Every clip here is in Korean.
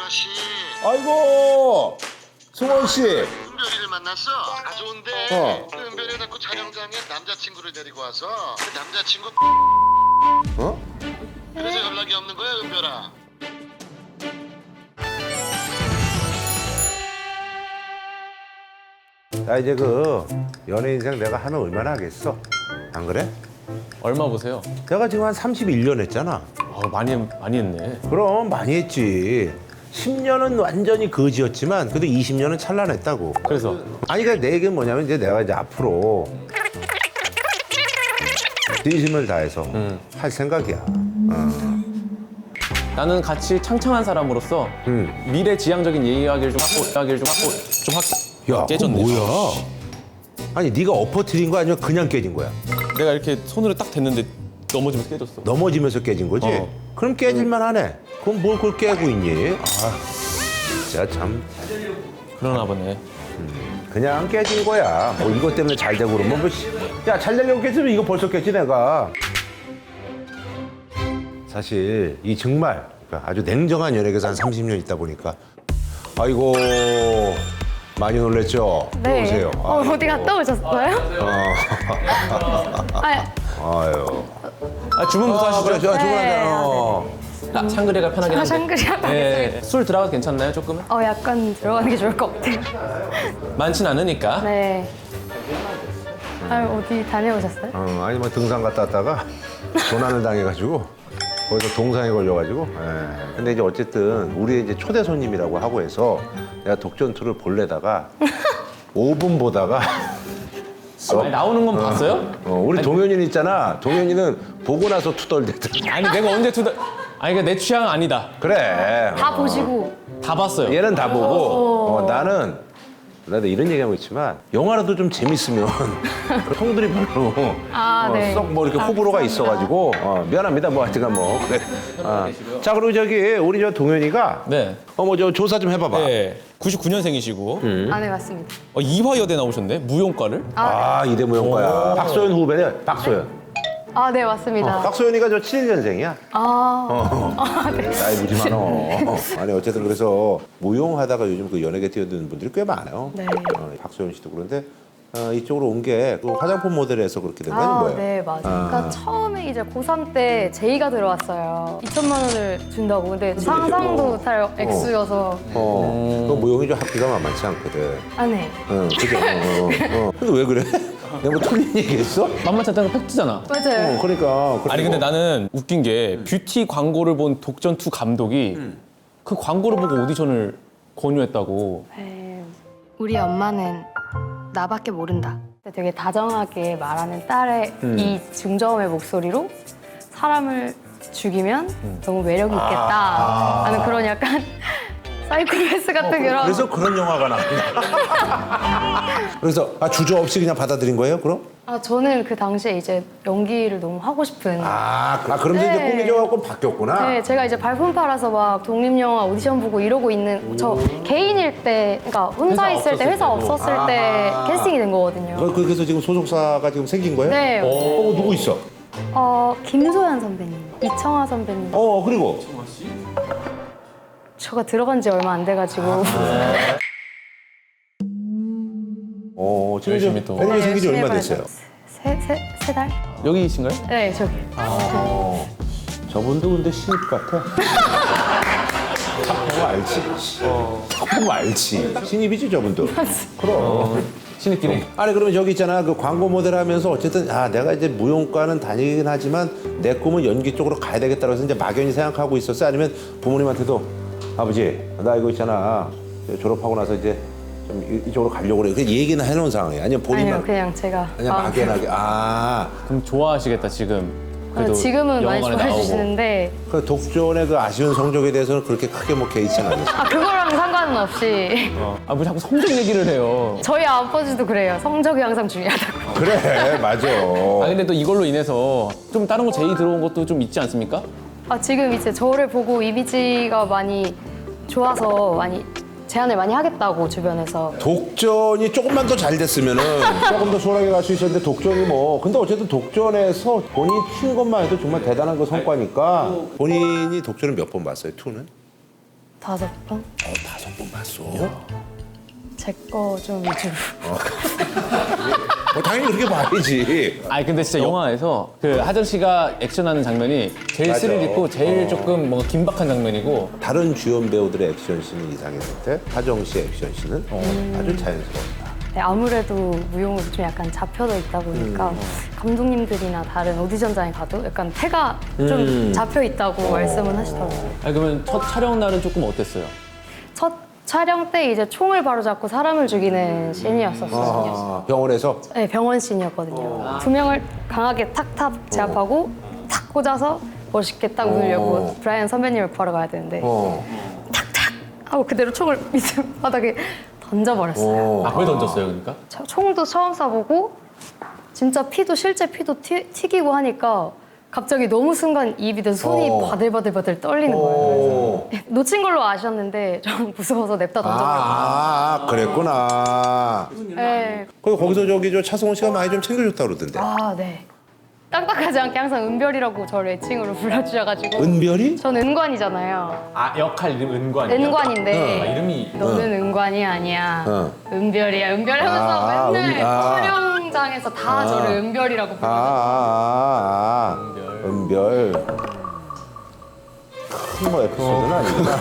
아가씨. 아이고 승원 씨. 은별이를 만났어. 아 좋은데. 그 은별이 자꾸 촬영장에 남자친구를 데리고 와서 그 남자친구. 어? 그래서 연락이 없는 거야 은별아. 나 이제 그 연애 인생 내가 하면 얼마나 하겠어? 안 그래? 얼마 보세요? 내가 지금 한 31년 했잖아. 많이 했네. 그럼 많이 했지. 10년은 완전히 거지였지만 그래도 20년은 찬란했다고. 그래서 아니 그러니까 내 얘기는 뭐냐면 이제 내가 이제 앞으로 진심을 다해서 할 생각이야. 나는 같이 창창한 사람으로서 미래지향적인 이야기를 좀 하고 야, 깨졌네. 그건 뭐야? 아니 네가 엎어뜨린 거 아니면 그냥 깨진 거야? 내가 이렇게 손으로 딱 댔는데 넘어지면서 깨졌어. 넘어지면서 깨진 거지? 어. 그럼 깨질만 하네. 그럼 뭘 그걸 깨고 있니? 아, 진짜 참 그러나 보네. 그냥 깨진 거야. 뭐 이것 때문에 잘 되고 그러면 뭐 야, 잘 되려고 깼으면 이거 벌써 깼지 내가. 사실 이 정말 아주 냉정한 연예계에서 한 30년 있다 보니까 아이고 많이 놀랬죠? 네. 들어오세요. 어디 갔다 오셨어요? 아유. 주문부터 하시죠. 그래, 저 네. 주문하자. 샹그리가 편하긴 한데. 샹그리가 네. 술 들어가도 괜찮나요, 조금은? 약간 들어가는 게 좋을 것 같아요. 많진 않으니까. 네. 어디 다녀오셨어요? 아니 뭐 등산 갔다 왔다가 조난을 당해가지고 거기서 동상에 걸려가지고. 예. 근데 이제 어쨌든 우리 이제 초대 손님이라고 하고 해서 내가 독전투를 볼래다가 5분 보다가 아니, 나오는 건 봤어요? 우리 동현이는 있잖아. 동현이는 보고 나서 투덜대더라. 아니 내가 언제 아니 그러니까 내 취향은 아니다. 그래. 다 보시고. 다 봤어요. 얘는 다 보고 나는 나도 이런 얘기하고 있지만 영화라도 좀 재밌으면 형들이 별로 네. 썩 뭐 이렇게 호불호가 있어가지고 미안합니다. 뭐 하여튼간 뭐 그래. 자 그리고 저기 우리 저 동현이가 네. 뭐 저 조사 좀 해봐봐. 네. 99년생이시고 네, 맞습니다. 이화여대 나오셨네. 무용과를. 이대 무용과야. 박소연 후배네. 박소연. 네, 맞습니다. 박소연이가 저 71년생이야. 네. 나이 무지 많어. 아니 어쨌든 그래서 무용하다가 요즘 그 연예계 뛰어드는 분들이 꽤 많아요. 네. 박소연 씨도 그런데 이쪽으로 온 게 그 화장품 모델에서 그렇게 된 거 아니면 뭐예요? 네, 맞아요. 그러니까 처음에 이제 고3 때 제의가 들어왔어요. 2천만 원을 준다고. 근데 상상도 못할 액수여서. 그 무용이 좀 학비가 만만치 않거든. 네. 그죠? 근데 왜 그래? 내가 뭐 틀린 얘기했어? 만만치 않다는 건 팩트잖아. 맞아요. 그러니까. 아니 근데 나는 웃긴 게 뷰티 광고를 본 독전2 감독이 그 광고를 보고 오디션을 권유했다고. 네. 우리 엄마는 나밖에 모른다. 되게 다정하게 말하는 딸의 이 중저음의 목소리로 사람을 죽이면 너무 매력이 있겠다 하는 그런 약간 사이코패스 같은 그런. 그래서 그런 영화가 나온다. 그래서 주저없이 그냥 받아들인 거예요, 그럼? 저는 그 당시에 이제 연기를 너무 하고 싶은. 그러면서 이제 네. 꿈이 져갖고 바뀌었구나. 네, 제가 이제 발품 팔아서 막 독립영화 오디션 보고 이러고 있는 저 개인일 때, 그러니까 혼자 회사 있을 때, 회사 없었을 때 캐스팅이 된 거거든요. 그래서 지금 소속사가 지금 생긴 거예요? 네. 누구 있어? 김소연 선배님, 이청아 선배님. 그리고? 저가 들어간 지 얼마 안 돼가지고. 지금 열심히 또. 매니저 생긴 지 열심히 얼마 해봐야죠. 됐어요? 세 달? 여기이신가요? 네, 저기. 저분도 근데 신입 같아. 딱 보면 알지. 딱 보면 알지. 신입이지 저분도. 그럼. 신입끼리. 아니 그러면 저기 있잖아 그 광고 모델 하면서 어쨌든 내가 이제 무용과는 다니긴 하지만 내 꿈은 연기 쪽으로 가야 되겠다고 해서 이제 막연히 생각하고 있었어? 아니면 부모님한테도 아버지 나 이거 있잖아 졸업하고 나서 이제 좀 이쪽으로 가려고 그래. 그 얘기는 해놓은 상황이야. 아니면 본인만 아니요, 그냥 제가. 그냥 막연하게 그럼 좋아하시겠다 지금. 그래도 지금은 많이 영화관에 좋아해 나오고. 주시는데. 그 독전의 그 아쉬운 성적에 대해서는 그렇게 크게 뭐 개의치는 않았어. 그거랑 상관은 없이. 뭐 자꾸 성적 얘기를 해요. 저희 아버지도 그래요. 성적이 항상 중요하다고. 그래 맞아. 근데 또 이걸로 인해서 좀 다른 거 제의 들어온 것도 좀 있지 않습니까? 지금 이제 저를 보고 이미지가 많이 좋아서 많이 제안을 많이 하겠다고 주변에서. 독전이 조금만 더 잘 됐으면은 조금 더 수월하게 갈 수 있었는데 독전이 뭐 근데 어쨌든 독전에서 본인이 튄 것만 해도 정말 대단한 그 성과니까 본인이 독전을 몇 번 봤어요? 2는? 5번? 5번 봤어? 제 거 좀 위주로. 당연히 그렇게 봐야지. 아니 근데 진짜 영화에서 그 하정 씨가 액션하는 장면이 제일 맞아. 스릴 있고 제일 조금 뭔가 긴박한 장면이고 다른 주연 배우들의 액션씬은 이상했는데 하정 씨의 액션씬은 아주 자연스러웠다. 네, 아무래도 무용으로 좀 약간 잡혀져 있다 보니까 감독님들이나 다른 오디션장에 가도 약간 태가 좀 잡혀 있다고 말씀은 하시더라고요. 아니 그러면 첫 촬영 날은 조금 어땠어요? 첫 촬영 때 이제 총을 바로 잡고 사람을 죽이는 씬이었었거든요. 병원에서 네, 병원 씬이었거든요. 2명을 강하게 탁탁 제압하고 탁 꽂아서 멋있게 딱 문을 열고 브라이언 선배님을 구하러 가야 되는데 탁탁 하고 그대로 총을 밑에 바닥에 던져버렸어요. 아 왜 던졌어요 그러니까? 총도 처음 쏴보고 진짜 피도 실제 피도 튀기고 하니까 갑자기 너무 순간 입이 돼서 손이 바들바들바들 떨리는 거예요. 그래서 놓친 걸로 아셨는데 좀 무서워서 냅다 던져버렸어요. 그랬구나. 네. 거기서 저기 저 차승원 씨가 많이 좀 챙겨줬다 그러던데. 아, 네. 딱딱하지 않게 항상 은별이라고 저를 애칭으로 불러주셔가지고. 은별이? 저는 은관이잖아요. 아 역할 이름 은관이요? 은관인데 아, 이름이 너는 은관이 아니야. 어. 은별이야. 은별 하면서 맨날 아. 촬영장에서 다 저를 은별이라고 부르고. 은별. 큰 뭐 에피소드는 아니구나.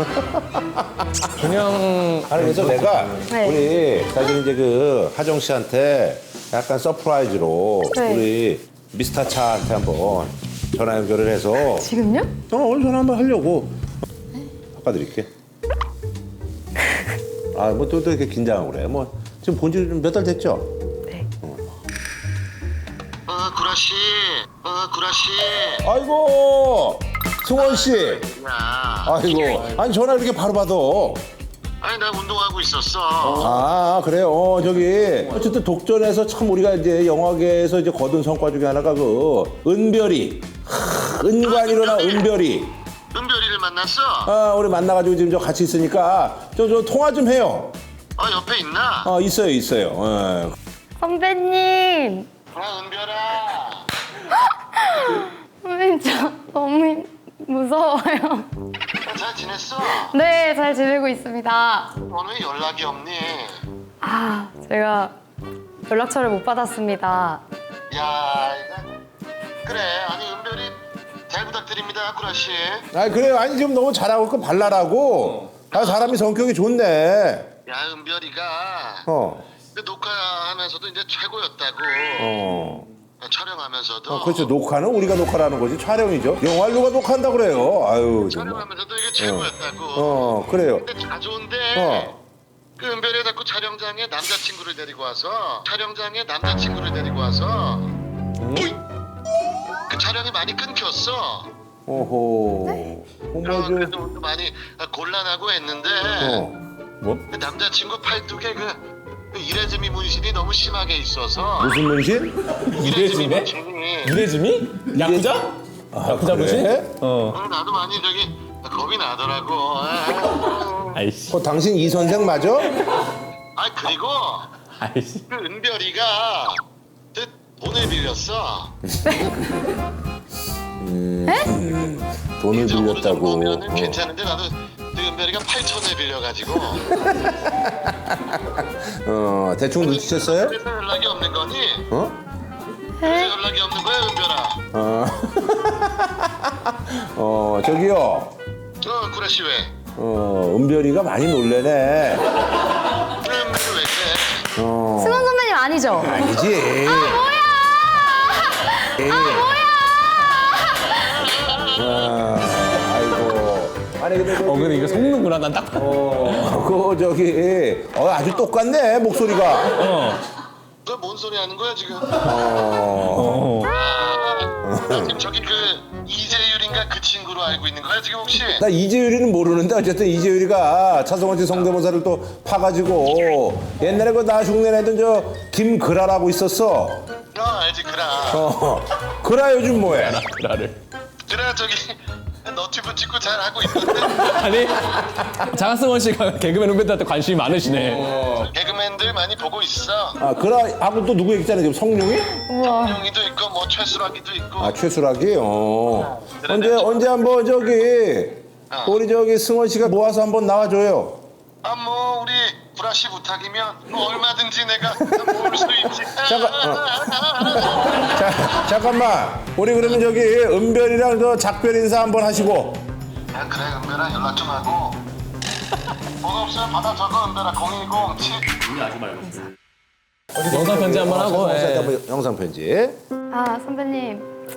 그냥 아니 그래서 내가 네. 우리 사실 이제 그 하정 씨한테 약간 서프라이즈로 네. 우리 미스터 차한테 한번 전화 연결을 해서 지금요? 오늘 전화 한번 하려고 바꿔드릴게. 아 뭐 또 이렇게 긴장하고 그래. 뭐 지금 본지 몇 달 됐죠? 네. 구라씨. 구라씨. 아이고 승원 씨. 야. 아이고 아니 전화 이렇게 바로 받아. 아니 나 운동하고 있었어. 아 그래요. 저기 어쨌든 독전에서 참 우리가 이제 영화계에서 이제 거둔 성과 중에 하나가 그 은별이 은관이로 나온 은별이. 은별이를 만났어? 아 우리 만나가지고 지금 저 같이 있으니까 저 통화 좀 해요. 옆에 있나? 있어요. 선배님. 은별아. 선배님 저 너무 무서워요. 잘 지냈어? 네, 잘 지내고 있습니다. 오늘 연락이 없니? 아, 제가 연락처를 못 받았습니다. 야, 이거 그래. 아니 은별이 잘 부탁드립니다, 구라씨. 아 그래요. 아니 지금 너무 잘하고 있고 발랄하고 사람이 성격이 좋네. 야, 은별이가 그 녹화하면서도 이제 최고였다고. 촬영하면서도. 그렇죠. 녹화는 우리가 녹화를 하는 거지 촬영이죠. 영화를 누가 녹화한다 그래요. 아유 정말. 촬영하면서도 이게 최고였다고. 그래요. 근데 자주인데 그 은별이 자꾸 촬영장에 남자친구를 데리고 와서 그 촬영이 많이 끊겼어. 오호. 그래도 많이 곤란하고 했는데 뭐? 그 남자친구 팔뚝에 그 이레즈미 문신이 너무 심하게 있어서. 무슨 문신? 이레즈미 이레즈미? 문신이. 이레즈미? 야쿠자? 야쿠자 그래? 무신? 나도 많이 저기 겁이 나더라고. 아이씨. 당신 이 선생 맞아? 그리고 아이씨. 그 은별이가 그 돈을 빌렸어. 돈을 적으로 빌렸다고. 보면은 괜찮은데 나도 그 은별이가 8천을 빌려가지고. 대충 눈치챘어요? 그래서 연락이 없는 거니? 네? 그래서 연락이 없는 거야, 은별아. 저기요. 구라씨 왜? 은별이가 많이 놀래네. 은별이 왜 그래? 승원 선배님 아니죠? 아니지. 아이고. 아니 근데 근데 이거 속는구나 난 딱. 그 저기 아주 똑같네 목소리가. 너 뭔 소리 하는 거야 지금? 어. 나 지금 저기 그 이재율인가 그 친구로 알고 있는 거야 지금 혹시? 나 이재율이는 모르는데 어쨌든 이재율이가 차성원 씨 성대모사를 또 파가지고 옛날에 그 나 흉내내던 저 김그라라고 있었어. 알지 그라. 그라 요즘 뭐해? 나를. 그라 저기 너튜브 찍고 잘 하고 있는데 아니 장하승원 씨가 개그맨 후배들한테 관심이 많으시네. 개그맨들 많이 보고 있어. 그라하고 또 누구 얘기잖아 지금 성룡이? 우와. 용이도 있고 뭐 최수락이도 있고. 최수락이. 언제 한번 저기 우리 저기 승원 씨가 모아서 한번 나와줘요. 아 뭐 우리 브라시 부탁이면 뭐 얼마든지 내가 모을 수 있지. 잠깐만. 우리 그러면 저기 은별이랑 저 작별 인사 한번 하시고. 아 그래 은별아 연락 좀 하고. 뭐가 없으면 받아 적어 은별아 010. 영상 편지 한번 하고. 예. 영상 편지. 아, 선배님.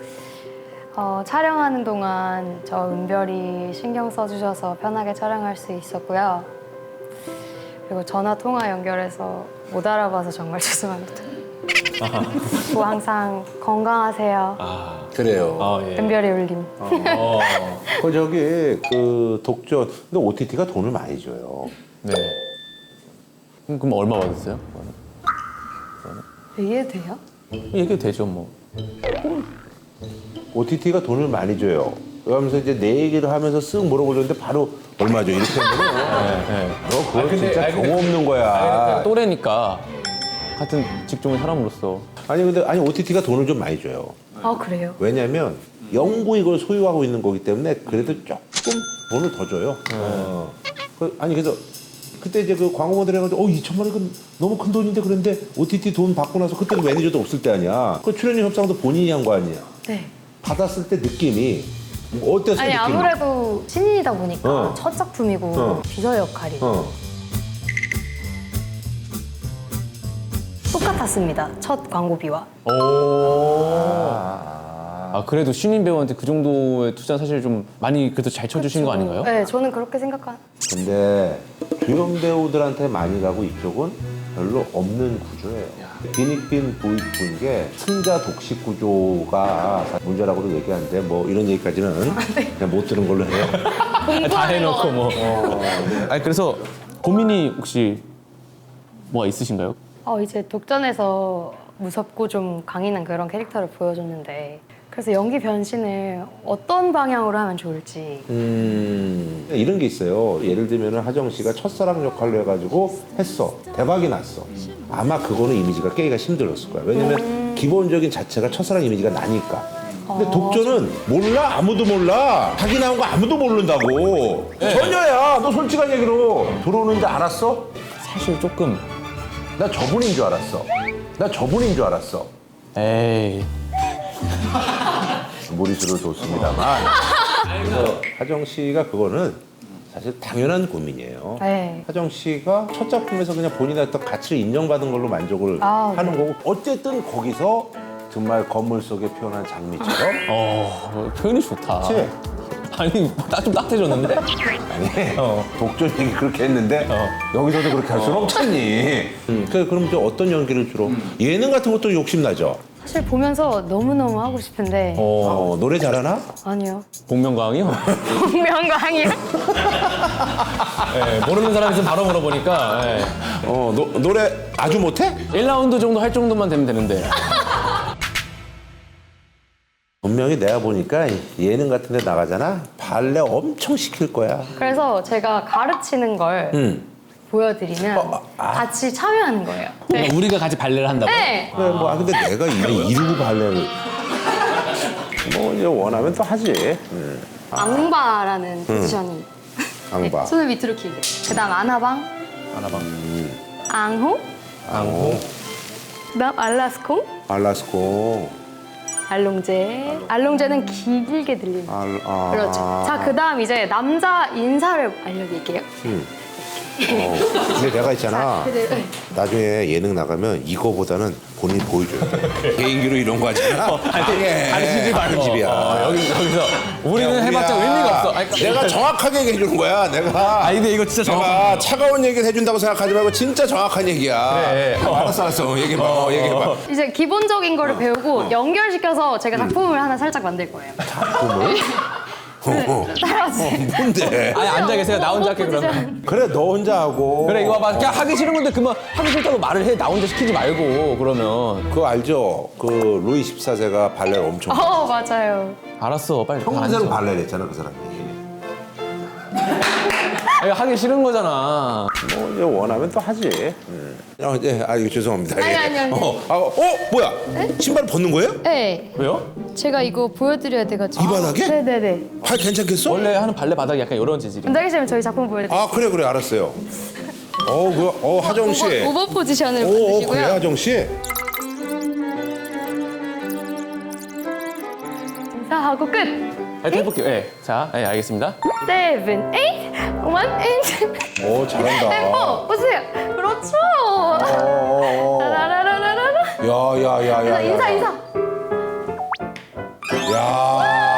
촬영하는 동안 저 은별이 신경 써주셔서 편하게 촬영할 수 있었고요. 그리고 전화 통화 연결해서 못 알아봐서 정말 죄송합니다. 또 항상 건강하세요. 그래요. 아, 예. 은별이 울림. 그 저기 그 독전. 근데 OTT가 돈을 많이 줘요. 네. 그럼 얼마 받았어요? 이게 돼요? 얘기해도 되죠, 뭐. OTT가 돈을 많이 줘요. 그러면서 이제 내 얘기를 하면서 쓱 물어보려는데 바로 얼마죠? 이렇게 하면은 네. 너 그거 진짜 경험 없는 거야. 또래니까 같은 직종의 사람으로서. 아니 OTT가 돈을 좀 많이 줘요. 아, 그래요? 왜냐면 영구 이걸 소유하고 있는 거기 때문에 그래도 조금 돈을 더 줘요. 그래서 그때 이제 그 광고 모델 해가지고 2천만 원 이건 너무 큰 돈인데 그런데 OTT 돈 받고 나서 그때도 매니저도 없을 때 아니야. 그 출연료 협상도 본인이 한 거 아니야. 네. 받았을 때 느낌이 어땠어? 아니, 느낌이? 아무래도 신인이다 보니까 첫 작품이고 비서 역할이고 똑같았습니다. 첫 광고비와. 아, 그래도 신인 배우한테 그 정도의 투자 사실 좀 많이 그래도 잘 쳐주신 거 아닌가요? 네, 저는 그렇게 생각한. 근데 주연 배우들한테 많이 가고 이쪽은 별로 없는 구조예요. 빈익빈 부익부인 게 승자 독식 구조가 문제라고도 얘기하는데 뭐 이런 얘기까지는 그냥 못 들은 걸로 해요. 다 해놓고 뭐. 아니, 그래서 고민이 혹시 뭐가 있으신가요? 이제 독전에서 무섭고 좀 강인한 그런 캐릭터를 보여줬는데 그래서 연기 변신을 어떤 방향으로 하면 좋을지. 이런 게 있어요. 예를 들면 하정 씨가 첫사랑 역할로 해가지고 했어. 대박이 났어. 아마 그거는 이미지가 깨기가 힘들었을 거야. 왜냐면 기본적인 자체가 첫사랑 이미지가 나니까. 근데 독전은 몰라. 아무도 몰라. 자기 나온 거 아무도 모른다고. 전혀야. 너 솔직한 얘기로. 들어오는 줄 알았어? 사실 조금. 나 저분인 줄 알았어. 에이. 무리수를 뒀습니다만. 그래서 하정 씨가 그거는 사실 당연한 고민이에요. 네. 하정 씨가 첫 작품에서 그냥 본인의 어떤 가치를 인정받은 걸로 만족을 하는 네. 거고 어쨌든 거기서 정말 건물 속에 피어난 장미처럼 표현이 좋다. 그치? 아니, 좀 따뜻해졌는데? 아니 독전 얘기 그렇게 했는데 여기서도 그렇게 할 수는 없잖니. 그럼 이제 어떤 연기를 주로 예능 같은 것도 욕심나죠? 사실 보면서 너무너무 하고 싶은데 노래 잘하나? 아니요. 복면가왕이요? 분명강이요? 네, 모르는 사람 있으면 바로 물어보니까. 네. 노래 아주 못해? 1라운드 정도 할 정도만 되면 되는데. 분명히 내가 보니까 예능 같은 데 나가잖아. 발레 엄청 시킬 거야. 그래서 제가 가르치는 걸 보여드리면 같이 참여하는 거예요. 네. 우리가 같이 발레를 한다고? 네. 그래, 근데 내가 이루고 발레를 뭐 이제 원하면 또 하지. 앙바라는 포지션이. 앙바. 네, 손을 밑으로 길게. 그다음 아나방, 앙호, 그다음 알라스콩, 알라스코. 알롱제. 알롱제는 길게 들리는. 그렇죠. 자, 그다음 이제 남자 인사를 알려드릴게요. 근데 내가 있잖아. 네. 나중에 예능 나가면 이거보다는 본인이 보여줘야 돼. 개인기로 이런 거 하잖아. 가르치지 말고. 집이야. 여기서 우리는 해봤자 의미가 없어. 아니, 내가 정확하게 얘기해주는 거야. 내가. 근데 이거 진짜 내가 차가운 얘기를 해준다고 생각하지 말고 진짜 정확한 얘기야. 그래. 알았어. 얘기해봐. 얘기해봐. 이제 기본적인 거를 배우고 연결시켜서 제가 작품을 하나 살짝 만들 거예요. 작품을? 따라와주세요. 뭔데? 아니, 앉아 계세요. 나 혼자 할게, 그러면. 포지션. 그래, 너 혼자 하고. 그래, 이거 봐봐. 그냥 하기 싫은 건데 그만 하기 싫다고 말을 해. 나 혼자 시키지 말고, 그러면. 그거 알죠? 그 루이 14세가 발레를 엄청 맞아요. 알았어, 빨리. 평생 발레를 했잖아, 그 사람이. 아니, 하기 싫은 거잖아. 뭐 이제 원하면 또 하지. 이거 죄송합니다. 아니. 뭐야? 신발 벗는 거예요? 네. 왜요? 제가 이거 보여드려야 돼가지고. 이 바닥에? 네네네. 괜찮겠어? 원래 하는 발레 바닥이 약간 이런 재질이에요. 원장님 저희 작품 보여드릴게요. 아 그래 알았어요. 하정 씨. 오버 포지션을 그래 보여주시고요. 하정 씨. 인사하고 끝. 이렇게 해볼게요. 네. 자, 네, 알겠습니다. 7, 8, 1, 8. 잘한다. 템포 보세요. 그렇죠. 라라라라라라. 야야야야. 인사. 야.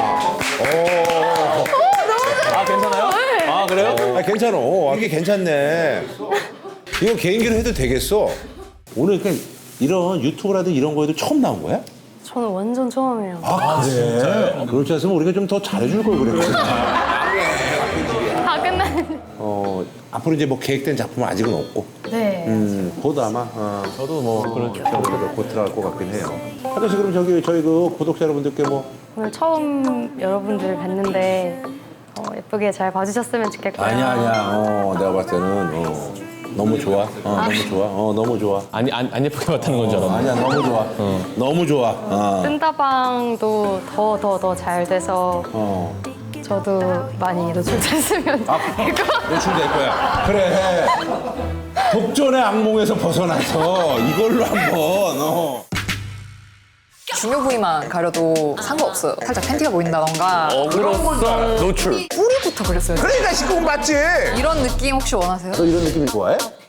아, 괜찮아요? 아, 그래요? 괜찮아. 이게 괜찮네. 이거 개인기로 해도 되겠어. 오늘 그러니까 이런 유튜브라든 이런 거에도 처음 나온 거야? 저는 완전 처음이에요. 그래? 그렇지 않으면 우리가 좀 더 잘해줄 걸 그랬지. 다 끝났는데. 앞으로 이제 뭐 계획된 작품은 아직은 없고. 네. 곧 아마 저도 뭐 그렇게. 곧 들어갈 것 같긴 해요. 하정 씨 그럼 저희 그 구독자 여러분들께 뭐 오늘 처음 여러분들 뵀는데 예쁘게 잘 봐주셨으면 좋겠고요. 아니야. 내가 봤을 때는 너무 좋아. 너무 좋아. 너무 좋아. 안 예쁘게 봤다는 건 줄 알았는데. 아니야 너무 좋아. 너무 좋아. 뜬다방도 더 잘 돼서 저도 많이 노출됐으면 될 것 같아요. 노출될 거야. 그래. 독전의 악몽에서 벗어나서 이걸로 한번. 중요 부위만 가려도 상관없어요. 살짝 팬티가 보인다던가 어그로성 노출. 뿌리부터 그렸어요. 그러니까 19금 맞지. 이런 느낌 혹시 원하세요? 너 이런 느낌 좋아해?